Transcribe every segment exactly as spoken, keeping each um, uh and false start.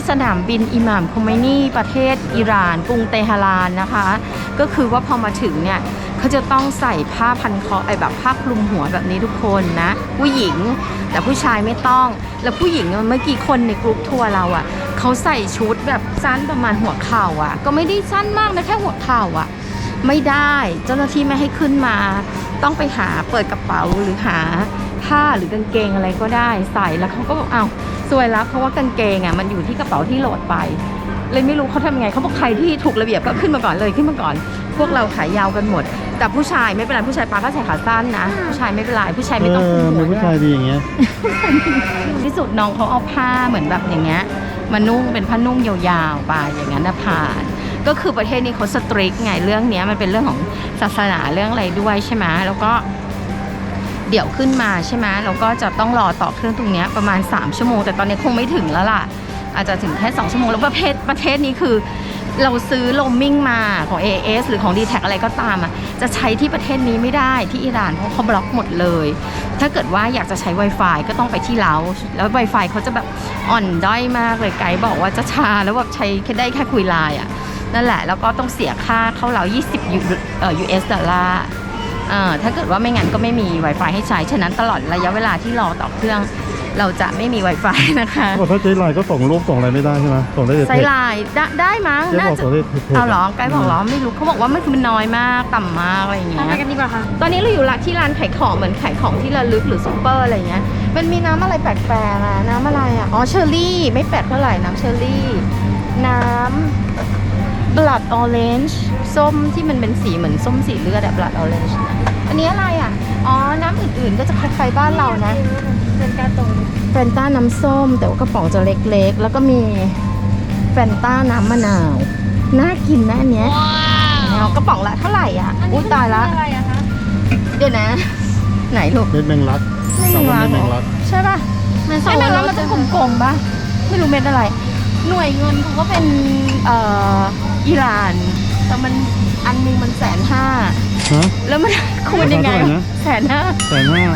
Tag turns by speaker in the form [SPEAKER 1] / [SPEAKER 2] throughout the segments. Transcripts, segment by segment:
[SPEAKER 1] สนามบินอิหม่ามโคเมนีประเทศอิหร่านกรุงเตหะรานนะคะก็คือว่าพอมาถึงเนี่ยเขาจะต้องใส่ผ้าพันคอไอแบบผ้าคลุมหัวแบบนี้ทุกคนนะผู้หญิงแต่ผู้ชายไม่ต้องแล้วผู้หญิงเมื่อกี้คนในกรุ๊ปทัวร์เราอ่ะเขาใส่ชุดแบบสั้นประมาณหัวเข่าอ่ะก็ไม่ได้สั้นมากนะแค่หัวเข่าอ่ะไม่ได้เจ้าหน้าที่ไม่ให้ขึ้นมาต้องไปหาเปิดกระเป๋าหรือหาผ้าหรือกางเกงอะไรก็ได้ใส่แล้วเขาก็บอกอ้าวสวยแล้วเพราะว่ากางเกงอ่ะมันอยู่ที่กระเป๋าที่โหลดไปเลยไม่รู้เขาทำไงเขาบอกใครที่ถูกระเบียบก็ขึ้นมาก่อนเลยขึ้นมาก่อนพวกเราขายาวกันหมดแต่ผู้ชายไม่เป็นไรผู้ชายปาก็ใส่ขาสั้นนะผู้ชายไม่เป็นไรผู้ชายไม่ต้องคุมหัวด้วย
[SPEAKER 2] ผู้ชายดีอย่างเงี้ย
[SPEAKER 1] ที่สุดน้องเขาเอาผ้าเหมือนแบบอย่างเงี้ยมานุ่งเป็นผ้านุ่งยาวๆไปอย่างนั้นนะผ่านก็คือประเทศนี้เขาสตริกไงเรื่องนี้มันเป็นเรื่องของศาสนาเรื่องอะไรด้วยใช่ไหมแล้วก็เดี๋ยวขึ้นมาใช่ไหมเราก็จะต้องรอต่อเครื่องตรงนี้ประมาณสามชั่วโมงแต่ตอนนี้คงไม่ถึงแล้วล่ะอาจจะถึงแค่สองชั่วโมงแล้วประเทศประเทศนี้คือเราซื้อโรมมิ่งมาของ เอ เอส หรือของ ดี แท็ก อะไรก็ตามอ่ะจะใช้ที่ประเทศนี้ไม่ได้ที่อิหร่านเพราะเขาบล็อกหมดเลยถ้าเกิดว่าอยากจะใช้ Wi-Fi ก็ต้องไปที่เราแล้ว Wi-Fi เขาจะแบบอ่อนด้อยมากเลยไกด์บอกว่าจะช้าแล้วแบบใช้แค่ได้แค่คุยไลน์อ่ะนั่นแหละแล้วก็ต้องเสียค่าเข้าเรายี่สิบเอ่อ ยู เอส ดอลลาร์อ่าถ้าเกิดว่าไม่งั้นก็ไม่มี Wi-Fi ให้ใช้ฉะนั้นตลอดระยะเวลาที่รอต่อเครื่องเราจะไม่มี Wi-Fi นะคะ
[SPEAKER 2] ถ้าใช้ไลน์ก็ส่งรูปส่งอะไรไม่ได้ใช่ไหมส่งได้แต่
[SPEAKER 1] ใช้ไลน์ได้ได้มั้งน่าจะเอาหรอไกด์บอกหรอไม่รู้เขาบอกว่ามันคือมันน้อยมากต่ำมากอะไรอย่างเงี้ยไปกันดีกว่าค่ะตอนนี้เราอยู่ที่ร้านขายของเหมือนขายของที่ระลึกหรือซุปเปอร์อะไรเงี้ยมันมีน้ำอะไรแปลกๆอะน้ำอะไรอะอ๋อเชอร์รี่ไม่แปลกเท่าไหร่น้ำเชอร์รี่น้ำ blood orange ส้มที่มันเป็นสีเหมือนส้มสีเลือดอะ blood orange อันนี้อะไรอะอ๋อน้ำอื่นๆก็จะคล้ายๆบ้านเรานะเฟนต้าตรงเฟนต้าน้ำส้มแต่ว่ากระป๋องจะเล็กๆแล้วก็มีเฟนต้าน้ำมะนาวน่ากินนะอันเนี้ยเอากระป๋องละเท่าไหร่อ่ะอุ้ยตายละเดี๋ยวนะไหนลูก
[SPEAKER 2] เม็ดแมงลัก
[SPEAKER 1] ไม่รู้ว่าใช่ป่ะเม็ดแมงลักมันจะกลมๆป่ะไม่รู้เม็ดอะไรหน่วยเงินเขาก็เป็นเอ่ออิหร่านแต่มันอันนึงมันแสนห้าแล้วมันคูณยังไงแสนห้า
[SPEAKER 2] แสนห้าก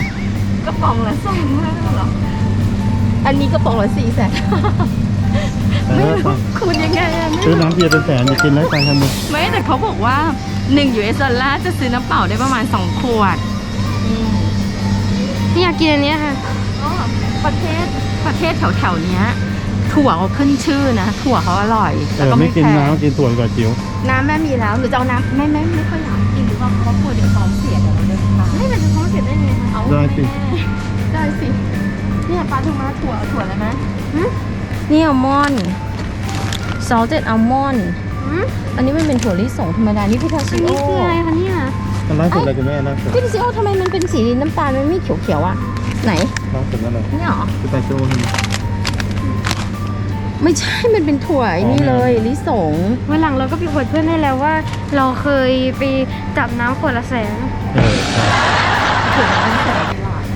[SPEAKER 1] ระป๋องละสองห้าหรออันนี้กระป๋องละสี่แสนไม่รู้คูณยังไงอะ
[SPEAKER 2] ซื้อน้ำเบียร์เป็นแสนจะกินได้ตังค์กันมั้ย
[SPEAKER 1] ไม่แต่เขาบอกว่าหนึ่ง ยู เอส ดอลลาร์จะซื้อน้ำเปล่าได้ประมาณสองขวด
[SPEAKER 3] นี่อยากกินอันนี้ค่ะ
[SPEAKER 1] ประเทศประเทศแถวแถวเนี้ยถั่วเขาขึ้นชื่อนะถั่วเขาอร่อย
[SPEAKER 2] แต่ก็ไม่กินน้ำกินถั่วก่อนจิ๋ว
[SPEAKER 1] น้ำแม่มีแล้วหรือจะเอาน้ำไม่ไม่ไม่ค่อยอยากกินหรือว่าเพราะกลัวเดี๋ยวท้องเสียเดี๋ยวเราเดินทาง
[SPEAKER 3] ไม่แต่จะท้องเสียได้ไงคะ
[SPEAKER 1] เอาได้สิได้สิเนี่ยปลาถึงมาถั่วถั่วอะไรไหมนี่อัลมอนด์ซอสเต็ดอัลมอนด์อันนี้มันเป็นถั่วลิสงธรรมดานี่พิทาชิโอ
[SPEAKER 3] นี่คืออะไรคะเนี่ย
[SPEAKER 2] มันล่าสุดอะไรกันแม่ล่าสุด
[SPEAKER 1] พิทาชิโอทำไมมันเป็นสีน้ำตาลมันไม่เขียวๆอ่ะไหน
[SPEAKER 2] ล่าสุดนั่นเลย
[SPEAKER 1] นี่หรอ
[SPEAKER 2] พิทาชิโอ
[SPEAKER 1] ไม่ใช่มันเป็นถั่วนี่เลยลิสง
[SPEAKER 3] วันหลังเราก็ไปอวดเพื่อนให้แล้วว่าเราเคยไปจับน้ำขวดละแสน
[SPEAKER 2] เออใช่
[SPEAKER 1] ถั่วละแสน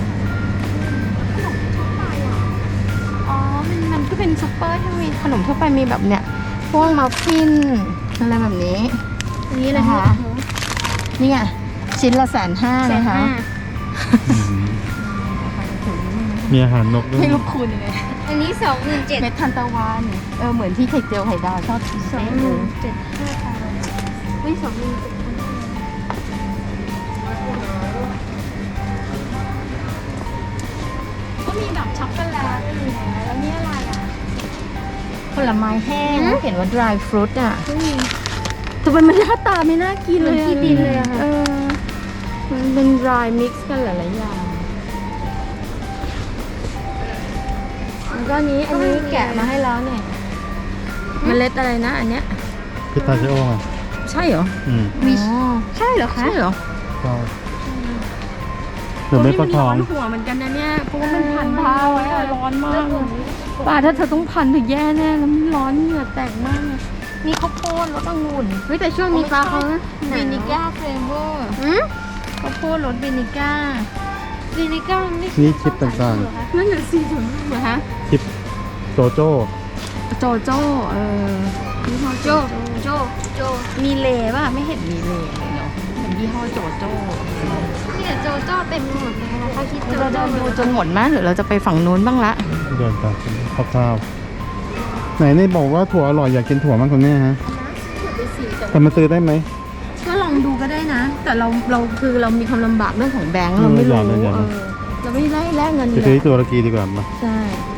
[SPEAKER 1] อ๋อมันมันก็เป็นซุปเปอร์ที่มีขนมทั่วไปมีแบบเนี้ยพวกมัฟฟินอะไรแบบนี้
[SPEAKER 3] นี่เลยค่ะ
[SPEAKER 1] นี่ไงชิ้นละแสนห้านะคะ
[SPEAKER 2] มีอาหารนกด้วย
[SPEAKER 1] ให้ลูกคุณยังไง
[SPEAKER 3] อันนี้สองหมื่นเจ็ด
[SPEAKER 1] เม็ดทันตะวันเออเหมือนที่ไข่เจียวไข่ดาวชอบ
[SPEAKER 3] สองหมื่นเจ็ดห้าพันไม่สองหมื่นเจ็ด
[SPEAKER 1] ก็มีแบบช็อกโกแลตแล้วนี่อะไรอ่ะผลไม้แห้งเขียนว่า dry fruit อ่ะแต่มันมันหน้าตาไม่น่ากินเลย
[SPEAKER 3] ที่ดินเลยอะค่ะ
[SPEAKER 1] เออมันเป็น dry mix กันหลายๆอย่างแล้วก็นี้อันนี้แกะมาให้แล้วเนี่ยเมล็ดอะไรนะอันเนี้ย
[SPEAKER 2] พิทาชิโอไง
[SPEAKER 1] ใช่เหรอ
[SPEAKER 2] อืม
[SPEAKER 1] ใช่เหรอคะใช่เหรอ
[SPEAKER 2] ใช่เดี๋ยวไม่ก็ท้อง
[SPEAKER 1] หัวเหมือนกันนะเนี่ยเพราะว่ามันพันเท้าไว้ร้อนมากป่าถ้าเธอต้องพันถึงแย่แน่แล้วมันร้อนเหงื่อแตกมากเลยมีข้าวโพดรสองุ่น
[SPEAKER 3] เฮ้ยแต่ช่วงนี้ปลาเขา
[SPEAKER 1] วินิก้าเฟรเวอร์ข้าวโพดรสวินิก้า
[SPEAKER 3] วินิก้าไม่
[SPEAKER 2] นี่ชิปต่าง
[SPEAKER 1] ๆนั่นแหละสิถึงเหรอฮะ
[SPEAKER 2] ชิปโจโจ้
[SPEAKER 1] โจโจ้เออยี่ห้อโจโจโจมีเลป่ะไม่เห็นมีเลเลยเนาะเป็นยี่ห้อโจโจ้
[SPEAKER 3] เนี่ยโจโจ้เต็มหมดเลยนะคะคิด
[SPEAKER 1] เราเดินดูจนหมดมั้ยหรือเราจะไปฝั่งนู้นบ้างละ
[SPEAKER 2] เดินไปคร่าวไหนนี่บอกว่าถั่วอร่อยอยากกินถั่วมั้งคนเนี้ยฮะแต่มาซื้อได้ไหม
[SPEAKER 1] ก็ลองดูก็ได้นะ แต่เราเราคือเรามีความลำบากเรื่องของแบงค์เราไม่
[SPEAKER 2] เอออ
[SPEAKER 1] รู้
[SPEAKER 2] ยากเลยอยาก
[SPEAKER 1] เอ
[SPEAKER 2] เลย
[SPEAKER 1] อเราไม่ได้แลกเงิน
[SPEAKER 2] ไป
[SPEAKER 1] เล
[SPEAKER 2] ซื้อย ที่ตุรกีดีกว่ามา
[SPEAKER 1] ใช่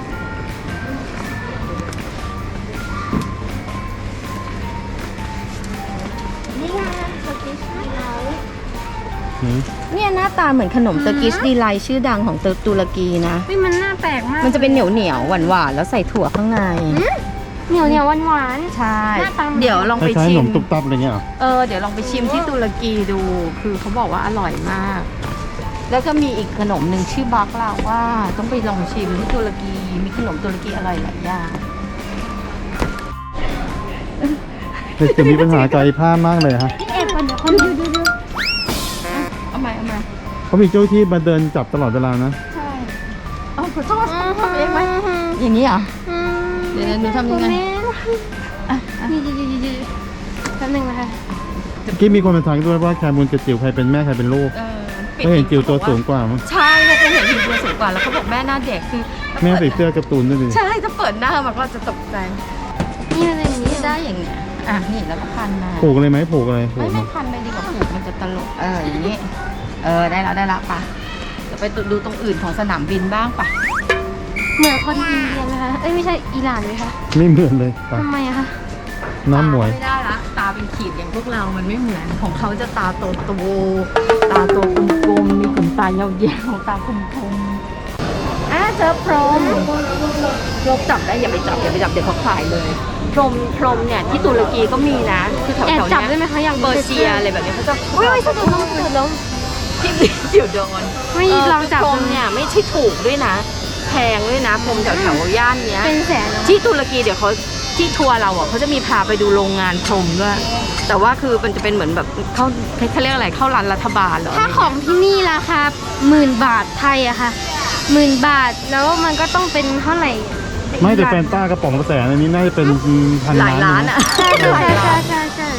[SPEAKER 3] นี่ไงสกิชไลท์
[SPEAKER 2] หืม
[SPEAKER 1] เนี่ยหน้าตาเหมือนขนมเตอร์กิชดีไลท์ชื่อดังของตุรกีนะ
[SPEAKER 3] เฮ้ยมันน่าแปลกมาก
[SPEAKER 1] มันจะเป็นเหนียวเหนียวหวานหวานๆแล้วใส่ถั่วข้างใน
[SPEAKER 3] เหนียวเหนียวหวานหวาน
[SPEAKER 1] ใช่
[SPEAKER 3] หน้าตาเหมือน
[SPEAKER 1] เดี๋ยวลอง
[SPEAKER 2] ค
[SPEAKER 1] ไป
[SPEAKER 2] ล้ายๆ
[SPEAKER 1] ชิ
[SPEAKER 2] ขน
[SPEAKER 1] ม
[SPEAKER 2] มตุ๊บตับอะไรเงี้ยเหรอ
[SPEAKER 1] เออเดี๋ยวลองไปชิมที่ตุรกีดู คือเขาบอกว่าอร่อยมาก แล้วก็มีอีกขนมหนึ่งชื่อบักลาว่าต้องไปลองชิมที่ตุรกี มีขนมตุรกีอร่อยหลายอย่าง
[SPEAKER 2] เด็กจะมีปัญหาใจผ้ามากเลยฮะ
[SPEAKER 3] พี่เอ็ดก่อนเดี๋ยวคนดูดูดู
[SPEAKER 1] เอามาเอามา
[SPEAKER 2] เขามีเจ้าที่มาเดินจับตลอดเวลานะ
[SPEAKER 1] ใช่เอาขอโทษทำเองไหมอย่างนี้เหรอ เดี๋ยวหนูทำยังไง อ่ะอ่ะ
[SPEAKER 3] นี่ดีดีดีดีแป๊บนึงนะคะ
[SPEAKER 2] เมื่อกี้มีคนมาทักด้วยว่าแคมูลกับจิ๋วใครเป็นแม่ใครเป็นลูก
[SPEAKER 1] เออ
[SPEAKER 2] ก็เห็นจิ๋วตัวสูงกว่ามั้ง
[SPEAKER 1] ใช่เราจะเห็นจิ๋วตัวสูงกว่าแล้วเขาบอกแม่หน้าเด็กคือ
[SPEAKER 2] แม่ใส่เสื้อการ์ตูนด้วยดิ
[SPEAKER 1] ใช่ถ้าเปิดหน้ามันก็จะตกใจ
[SPEAKER 3] นี่อะไรอย่างนี้
[SPEAKER 1] ได้อย่างเงี้ยอ่ะนี่แล้วก็พันมา
[SPEAKER 2] ผูกเลยไหมผูกอะไรผู
[SPEAKER 1] ไม่
[SPEAKER 2] ก
[SPEAKER 1] ไม่
[SPEAKER 2] มา
[SPEAKER 1] พันไปดีกว่าผูกมันจะตลกเอออย่างนี้ เออได้แล้วได้แล้วปะจะไปดูตรงอื่นของสนามบินบ้างปะ
[SPEAKER 3] เหมือนคนอินเดียไหมคะเอ้ยไม่ใช่อิหร่านไหมคะ
[SPEAKER 2] ไม่เหมือนเลยไป
[SPEAKER 3] ทำไมอะคะ
[SPEAKER 2] น้ำหมวย
[SPEAKER 1] ไม่ได้ละตาเป็นขีดอย่างพวกเรามันไม่เหมือนของเขาจะตาโตโตตาโตกลมๆมีขนตายาวๆตาคมๆอ่ะเจอพรหมพรหมจับได้อย่าไปจับอย่าไปจับเดี๋ยวเขาขายเลยพรหมพรหมเนี่ยที่ตุรกีก็มีนะคือแถว
[SPEAKER 3] แอบ
[SPEAKER 1] ๆ
[SPEAKER 3] จับ
[SPEAKER 1] เนี้
[SPEAKER 3] ได้
[SPEAKER 1] ย
[SPEAKER 3] ไหมคะอยาก
[SPEAKER 1] เปอร์เซียอะไรแบบเนี้ยเขาจะ
[SPEAKER 3] อุ้ยไม่ใช่ตัวน้องตัวน้อง
[SPEAKER 1] ที่จิ๋วโดน
[SPEAKER 3] ไม่ลองจับ
[SPEAKER 1] พร
[SPEAKER 3] ดู
[SPEAKER 1] มเนี่ยไม่ใช่ถูกด้วยนะ แพงด้วยนะพรมแถวแถวๆย่านเนี้ย
[SPEAKER 3] เป็นแสนเหรอ
[SPEAKER 1] ที่ตุรกีเดี๋ยวเขาที่ทัวร์เราอ่ะเขาจะมีพาไปดูโรงงานพรมด้วยแต่ว่าคือมันจะเป็นเหมือนแบบเข้าเขาเรียกอะไรเข้าร้านรัฐบาลเหรอ
[SPEAKER 3] ถ้าของที่นี่ราคาหมื่นบาทไทยอะค่ะหมื่นบาทแล้วมันก็ต้องเป็นเท่าไหร่
[SPEAKER 2] ไม่แต่แฟนต้ากระป๋องละแสนอันนี้น่าจะเป็นพัน
[SPEAKER 1] หลาย
[SPEAKER 2] ล้า
[SPEAKER 1] ล้าน น
[SPEAKER 2] นะ
[SPEAKER 1] อ่ะ
[SPEAKER 3] ใช่ใช่
[SPEAKER 1] หลาย
[SPEAKER 3] ใช่
[SPEAKER 1] ล้าน
[SPEAKER 3] ใช่ใช่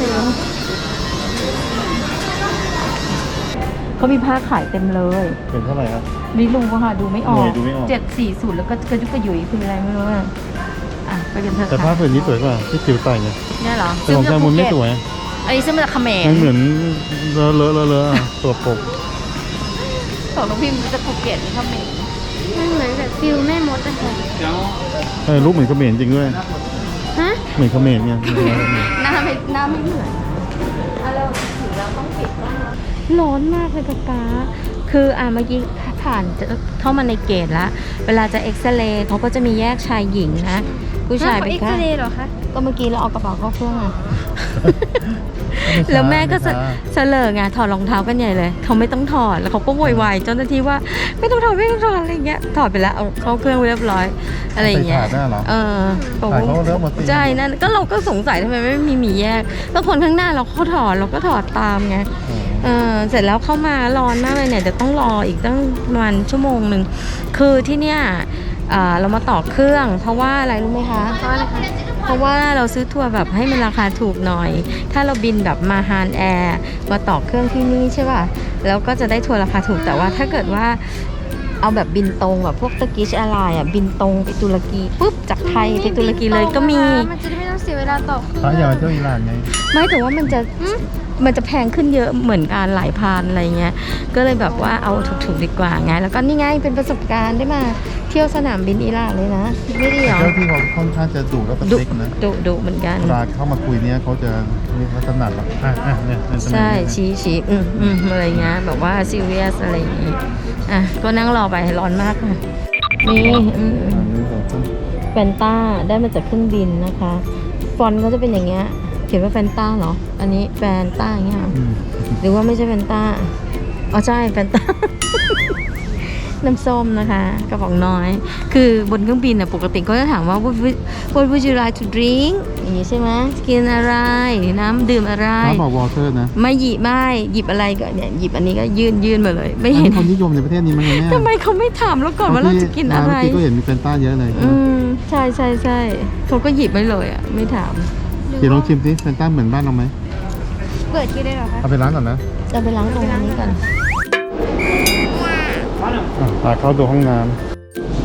[SPEAKER 1] เขามีผ้าขายเต็มเลย
[SPEAKER 2] เป็นเท่าไหร่ครับ
[SPEAKER 1] ไม่รู้ค่ะดูไม่ออ
[SPEAKER 2] หน่
[SPEAKER 1] ก
[SPEAKER 2] วยดูไม่ออก
[SPEAKER 1] เจ็ดสี่ศูนย์แล้วก็กระจุกกระยุยคืออะไรไม่รู้อะอ่ะไปกันเถอะ
[SPEAKER 2] แต่ผ้า
[SPEAKER 1] ค่ะ
[SPEAKER 2] ผืนนี้สวยกว่าที่จิ๋วใส่เนี่ย
[SPEAKER 1] เนี่ยเหรอ
[SPEAKER 2] แต่ของแคมูลไม่สวย
[SPEAKER 1] อันนี้ซื้อมาจากเขมร
[SPEAKER 2] มันเหมือนเลอะเลอะเลอะเลอะอะตัวปก
[SPEAKER 1] ของน้องพิมพ์จะภูเก็ตนี่เขมร
[SPEAKER 3] มันเหมือนแบบฟิลแม่มดอะค่ะ
[SPEAKER 2] เออรูปเหมือนเขมรจริงด้วย
[SPEAKER 3] ฮะ
[SPEAKER 2] เหมือนเขมรเนี่ย
[SPEAKER 1] หน้าไม่หน้าไม่เหมือนอ่ะเราถึงแล้วต้องปิดกล้องแล้ว
[SPEAKER 3] ร้อนมากเลยป๊าป๊า
[SPEAKER 1] คืออ่ะเมื่อกี้ผ่านจะเข้ามาในเกตแล้ว เวลาจะเอ็กซเรย์เขาก็จะมีแยกชายหญิงนะ ผู้ชายเป็น
[SPEAKER 3] เอ็ก
[SPEAKER 1] แค่
[SPEAKER 3] ซเรย์เหรอคะ
[SPEAKER 1] ก็เมื่อกี้เราเอากระเป๋าเข้าเครื่องอ่ะ แล้วแม่ก็เสเสลอไงถอดรองเท้ากันใหญ่เลย เขาไม่ต้องถอดแล้วเขาก็โวยวายเจ้าหน้าที่ว่าไม่ต้องถอดไม่ต้องถอดอะไรอย่างเงี้ยถอดไปแล้วเอาเข้าเครื่องเรียบร้อยอะไรอย่างเงี้ย
[SPEAKER 2] ใส่ถาดได้เหรอ
[SPEAKER 1] เออบอก
[SPEAKER 2] ถ่าย
[SPEAKER 1] ว่า
[SPEAKER 2] เขาเลือกหมดสิ
[SPEAKER 1] ใช่นั่นก็เราก็สงสัยทำไมไม่มีหมีแยกแล้วคนข้างหน้าเราเขาถอดเราก็ถอดตามไง เออเสร็จแล้วเข้ามาร้อนมากเลยเนี่ยเดี๋ยวต้องรออีกตั้งประมาณชั่วโมงหนึ่งคือที่เนี่ยอ่าเรามาต่อเครื่อง เพราะว่าอะไรรู้ไหมคะ
[SPEAKER 3] เพราะอะไรคะ
[SPEAKER 1] เพราะว่าเราซื้อทัวร์แบบให้มันราคาถูกหน่อย ถ้าเราบินแบบมาฮานแอร์มาต่อเครื่องที่นี่ใช่ป่ะแล้วก็จะได้ทัวร์ราคาถูกแต่ว่าถ้าเกิดว่าเอาแบบบินตรงแบบพวกตะกิชแอร์ไลน์อ่ะบินตรงไปตุรกีปุ๊บจากไทยไปตุรกีเลยก็มี
[SPEAKER 3] มันจะได้ไม่ต้องเสียเวลาต่อเครื่อง
[SPEAKER 2] พระอยากไปเที่ยวอิหร่านไง
[SPEAKER 1] ไม่แต่ว่ามันจะมันจะแพงขึ้นเยอะเหมือนการหลายพันอะไรเงี้ยก็เลยแบบว่าเอาถูกๆดีกว่าไงแล้วก็นี่ไงเป็นประสบการณ์ได้มาเที่ยวสนามบินอิหร่านเลยนะไม่ดีเหรอ
[SPEAKER 2] เจ้าที่เขาค่อนข้างจะดุและป
[SPEAKER 1] ดุ
[SPEAKER 2] ฏิกนะ
[SPEAKER 1] ดุดุเหมือนกัน
[SPEAKER 2] เวลาเข้ามาคุยเนี่ยเขาจะเรียกว่าถนัดหรอกอ่ะอ่ะเนี่ยเนี่ย
[SPEAKER 1] ใช่ชี้ชี้อืมอืมอะไรเงี้ยแบบว่าซีเรียสอะไรอย่างงี้อ่ะก็นั่งรอไปร้อนมากค่ะนี่อืมแฟนต้าได้มาจากเครื่องบินนะคะฟอนต์เขาจะเป็นอย่างเงี้ยเขียนว่าแฟนต้าเหรออันนี้แฟนต้าอย่างเงี้ยเหรอ
[SPEAKER 2] อืม
[SPEAKER 1] หรือว่าไม่ใช่แฟนต้าอ๋อใช่แฟนต้า น้ำส้มนะคะกระป๋องน้อย คือบนเครื่องบินน่ะปกติก็จะถามว่า what would what would you like to drink อย่างนี้ใช่ไหมกินอะไรน้ำดื่มอะไร
[SPEAKER 2] น้ำบอกวอเตอร์นะ
[SPEAKER 1] ไม่หยิบไม่หยิบอะไรก็เนี่ยหยิบอันนี้ก็ยื่นยื่นมาเลย ไม่
[SPEAKER 2] อัน
[SPEAKER 1] เห็
[SPEAKER 2] นี้
[SPEAKER 1] น
[SPEAKER 2] คนนิยมในประเทศนี้มั้งเนี่ย
[SPEAKER 1] ทำไมเขาไม่ถามเราก่อนว่าเราจะกินอะไร
[SPEAKER 2] เมื่อกี้ก็เห็นมีแฟนต้าเยอะเลย
[SPEAKER 1] อืมใช่ใช่ใช่เขาก็หยิบไว้เลยอ่ะไม่ถาม
[SPEAKER 2] เดี๋ยวลองชิมสิแฟนต้าเหมือนบ้านเราไหม
[SPEAKER 3] เปิดที่ได้เหรอคะ
[SPEAKER 2] เอาไปร้านก่อนนะ
[SPEAKER 1] จะไปล้างตรงนี้กัน
[SPEAKER 2] อ่ะพาเข้าดูห้องน้ำอ่ะ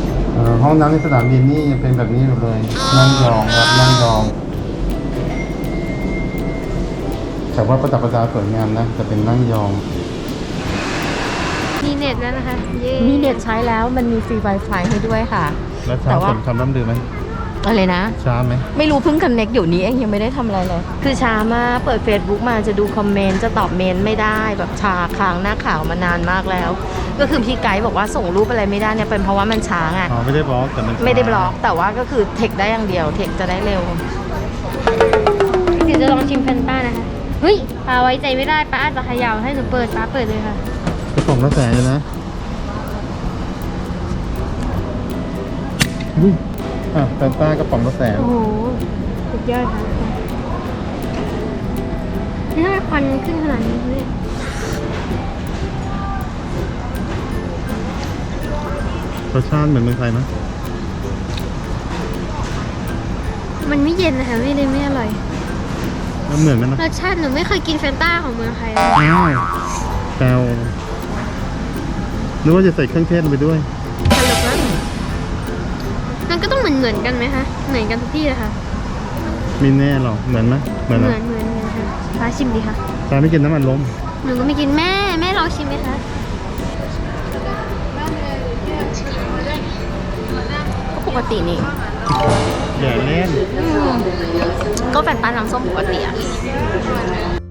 [SPEAKER 2] อ่าห้องน้ำในสนามบินนี่ยังเป็นแบบนี้อยู่เลย นั่งยองครับนั่งยอง แต่ว่าประดับประดาสวยงามนะ จะเป็นนั่งยอง
[SPEAKER 3] มีเน็ตแล้วนะคะ เย้
[SPEAKER 1] มีเน็ตใช้แล้วมันมีฟรี Wi-Fi ให้ด้วยค่ะ
[SPEAKER 2] แล้ว
[SPEAKER 1] แต่
[SPEAKER 2] เช้า
[SPEAKER 1] ว่า
[SPEAKER 2] ฝนคำร่ำลือไหม
[SPEAKER 1] อะไรนะ
[SPEAKER 2] ช้าไหม
[SPEAKER 1] ไม่รู้เพิ่งคอนเน็กอยู่นี้เองยังไม่ได้ทำอะไรเลย คือช้ามากเปิด Facebook มาจะดูคอมเมนต์จะตอบเมนต์ไม่ได้แบบชาค้างหน้าข่าวมานานมากแล้ว ก็คือพี่ไกด์บอกว่าส่งรูปอะไรไม่ได้เนี่ยเป็นเพราะว่ามันช้าไง
[SPEAKER 2] อ๋อ ไม่ได้บล็อกแต่มันช้า
[SPEAKER 1] ไม่ได้บล็อกแต่ว่าก็คือเทคได้อย่างเดียวเทคจะได้เร็ว
[SPEAKER 3] เดี๋ยวจะลองชิมแฟนต้านะคะ เฮ้ยป้าไว้ใจไม่ได้ป้าอาจจะเขย่าให้หนูเปิดป้าเปิดเลยค่ะ
[SPEAKER 2] กระป๋องละแสนเลยนะอุ้ยอ่ะแฟนต้ากระป๋องละแสน
[SPEAKER 3] โอ้โห สุดยอดค่ะนี่ถ้าควันขึ้นขนาดนี้เลย
[SPEAKER 2] รสชาติเหมือนเมืองไทยไหม
[SPEAKER 3] มันไม่เย็นนะคะไม่เลยไม่อร่อย
[SPEAKER 2] แล้วเหมือนไหมนะ
[SPEAKER 3] รสชาติหนูไม่เคยกินแฟนต้าของเมืองไทยเลย
[SPEAKER 2] อ้าวแปลวนึกว่าจะใส่เครื่องเทศลงไปด้วย
[SPEAKER 3] ตลกมากมันก็ต้องเหมือนเหมือนๆกันไหมคะ เหมือนกันทุกที่เลยค่ะ
[SPEAKER 2] มีแน่หรอ เหมือนไหมเหมือน
[SPEAKER 3] เห
[SPEAKER 2] ไหม
[SPEAKER 3] มือนเหมือนเหมือนค่ะป้าชิมดีค่ะ
[SPEAKER 2] ตาไม่กินน้ำมันลม
[SPEAKER 3] หนูก็ไม่กินแม่แม่ลองชิมไหมคะ
[SPEAKER 1] ก็ปกตินี่
[SPEAKER 2] อย่าเล่น
[SPEAKER 1] ก็แฟนตาน้ำส้มปกติอะ